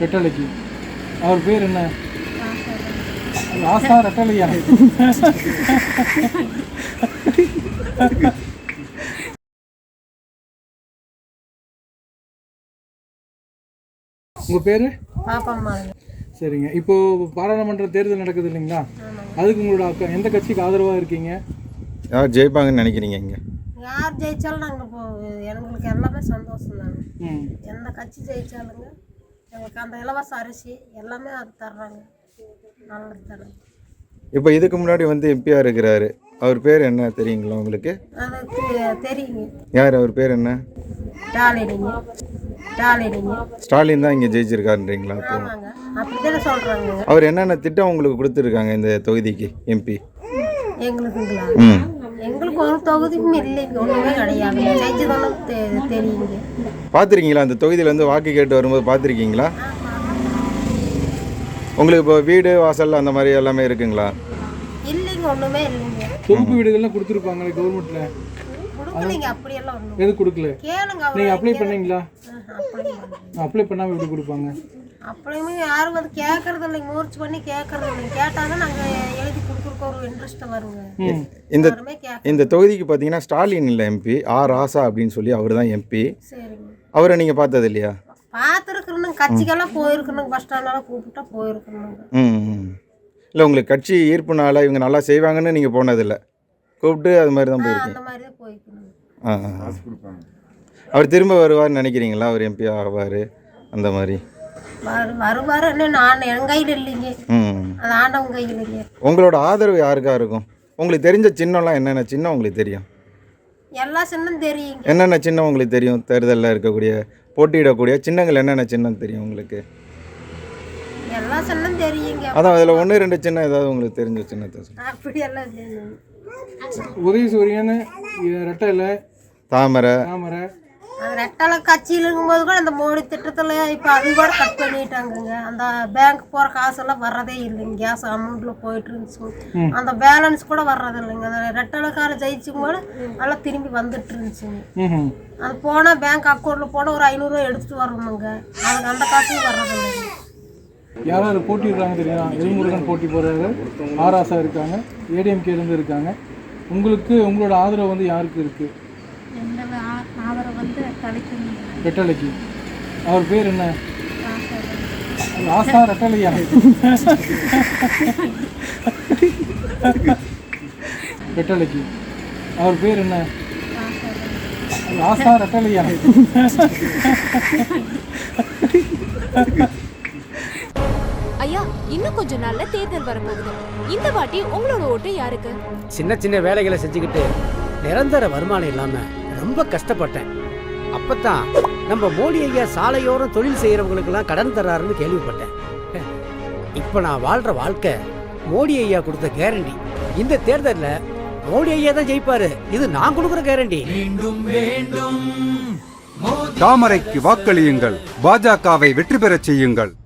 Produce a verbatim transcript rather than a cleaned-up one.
ரெட்டலைக்கு. அவர் பேர் என்ன? ராசா ரெட்டலையா? உங்கள் பேர்? பாப்பம்மா. சரிங்க. இப்போது பாராளுமன்ற தேர்தல் நடக்குது இல்லைங்களா, அதுக்கு உங்களோட அக்கா எந்த கட்சிக்கு ஆதரவாக இருக்கீங்க? யார் ஜெயிப்பாங்கன்னு நினைக்கிறீங்க? இங்கே யார் ஜெயிச்சாலும் நாங்கள் இப்போ எங்களுக்கு எல்லாமே சந்தோஷம் தாங்க. எந்த கட்சி ஜெயிச்சாலுங்க எங்களுக்கு அந்த இலவச அரிசி எல்லாமே அது தர்றாங்க, நல்லது தர்றாங்க. இப்போ இதுக்கு முன்னாடி வந்து எம்பியாக இருக்கிறாரு, அவர் பேர் என்ன தெரியுங்களா உங்களுக்கு? அது தெரியுங்க. யார் அவர் பேர் என்ன? ஸ்டாலினிங்க. ஸ்டாலினிங்க. ஸ்டாலின் தான் இங்கே ஜெயிச்சிருக்காருன்றீங்களா? இப்போ அப்படிதானே சொல்கிறாங்க. அவர் என்னென்ன திட்டம் உங்களுக்கு கொடுத்துருக்காங்க இந்த தொகுதிக்கு எம்பி? எங்களுக்குங்களா? ம் எங்களுக்கு ஒரு தொகுதியும் இல்லைங்க, ஒன்றுமே கிடையாது. ஜெயிச்சதாலும் தெரியுங்க. பார்த்துருக்கீங்களா அந்த தொகுதியில் வந்து வாக்கு கேட்டு வரும்போது பார்த்துருக்கீங்களா? உங்களுக்கு இப்போ வீடு வாசல் அந்த மாதிரி எல்லாமே இருக்குங்களா? இல்லைங்க, ஒன்றுமே இல்லைங்க. தொகுப்பு வீடுகள்லாம் கொடுத்துருப்பாங்களே கவர்மெண்ட்டில், கொடுக்கலைங்க. அப்படியெல்லாம் ஒன்றும் எது கொடுக்கல? கேளுங்க. நீங்கள் அப்ளை பண்ணீங்களா? அப்ளை பண்ணாமல் எப்படி கொடுப்பாங்க? அப்படியுமே யாரும் வந்து கேட்கறது இல்லைங்க, முயற்சி பண்ணி கேட்கறது இல்லைங்க. கேட்டாலும் நாங்கள் எழுதி கொடுக்குறக்கு ஒரு இன்ட்ரெஸ்ட் வருங்க. இந்த இந்த தொகுதிக்கு பார்த்தீங்கன்னா ஸ்டாலின் இல்லை எம்பி, ஆர் ராசா அப்படின்னு சொல்லி அவர் தான் எம்பி. சரிங்க. அவரை நீங்கள் பார்த்தது இல்லையா? பார்த்துருக்குறனுங்க, கட்சிக்கெல்லாம் போயிருக்கணுங்க, பஸ் ஸ்டாண்டெல்லாம் கூப்பிட்டா போயிருக்கணுங்க. ம் இல்லை உங்களுக்கு கட்சி ஈர்ப்புனால இவங்க நல்லா செய்வாங்கன்னு நீங்கள் போனதில்லை, கூப்பிட்டு அது மாதிரி தான் போயிருக்கீங்க? அந்த மாதிரி தான் போயிருக்கணும். ஆ அவர் திரும்ப வருவார்னு நினைக்கிறீங்களா? அவர் எம்பி ஆவார் அந்த மாதிரி? வருவார், நான் என் கையில் இல்லைங்க, அது ஆண்டவன் கையில் இல்லைங்க. உங்களோட ஆதரவு யாருக்கா இருக்கும்? உங்களுக்கு தெரிஞ்ச சின்னம்லாம் என்னென்ன சின்னம் உங்களுக்கு தெரியும்? எல்லா சின்னம் தெரியுங்க. என்னென்ன சின்னம் உங்களுக்கு தெரியும்? தேர்தலில் இருக்கக்கூடிய போட்டியிடக்கூடிய சின்னங்கள் என்னென்ன சின்னம் தெரியும் உங்களுக்கு? எல்லா சின்னம் தெரியுங்க. அதான் அதில் ஒன்று ரெண்டு சின்னம் ஏதாவது உங்களுக்கு தெரிஞ்ச சின்னத்தை? அப்படியெல்லாம் தெரியும். உதயசூரியன், ரெட்டலை, தாமரை. தாமரை அது ரெட்டலை கட்சியில் இருக்கும்போது கூட அந்த மோடி திட்டத்தில் இப்போ அது கூட கட் பண்ணிட்டாங்கங்க. அந்த பேங்க் போகிற காசெல்லாம் வர்றதே இல்லைங்க, கேஸ் அமௌண்ட்டில் போயிட்டு இருந்துச்சு. அந்த பேலன்ஸ் கூட வர்றது இல்லைங்க. அந்த ரெட்டலைக்கார ஜெயிச்சும் கூட நல்லா திரும்பி வந்துட்டு இருந்துச்சுங்க. அது போனால் பேங்க் அக்கௌண்ட்டில் போனால் ஒரு ஐநூறுரூவா எடுத்துகிட்டு வரணுங்க, அதுக்கு அந்த காசும் வர்றது இல்லைங்க. யாராவது போட்டிடுறாங்க தெரியுமா? எல்முருகன் போட்டி போடுறாரு, ஆராசா இருக்காங்க, ஏடிஎம்கேலேருந்து இருக்காங்க. உங்களுக்கு உங்களோட ஆதரவு வந்து யாருக்கு இருக்குது? ரெட்டலைக்கு. அவர் பேர் என்ன? ராசா ரெட்டலையா? ரெட்டலைக்கு. அவர் பேர் என்ன? ராசா ரெட்டலையா? ஐயா, இன்னும் கொஞ்ச நாள்ல தேர்தல் வரப்போகுது. இந்த வாட்டி உங்களோட ஓட்டு யாருக்கு? சின்ன சின்ன வேலைகளை செஞ்சுக்கிட்டு நிரந்தர வருமானம் இல்லாம ரொம்ப கஷ்டப்பட்டேன். அப்பதான் நம்ம மோடி ஐயா சாலையோரம் தொழில் செய்யறவங்களுக்கெல்லாம் கடன் தர்றாருன்னு கேள்விப்பட்டேன். இப்ப நான் வாழ்ற வாழ்க்கை மோடி ஐயா கொடுத்த கேரண்டி. இந்த தேர்தல்ல மோடி ஐயா தான் ஜெயிப்பாரு, இது நான் கொடுக்குற கேரண்டி. தாமரைக்கு வாக்களியுங்கள், பாஜகவை வெற்றி பெறச் செய்யுங்கள்.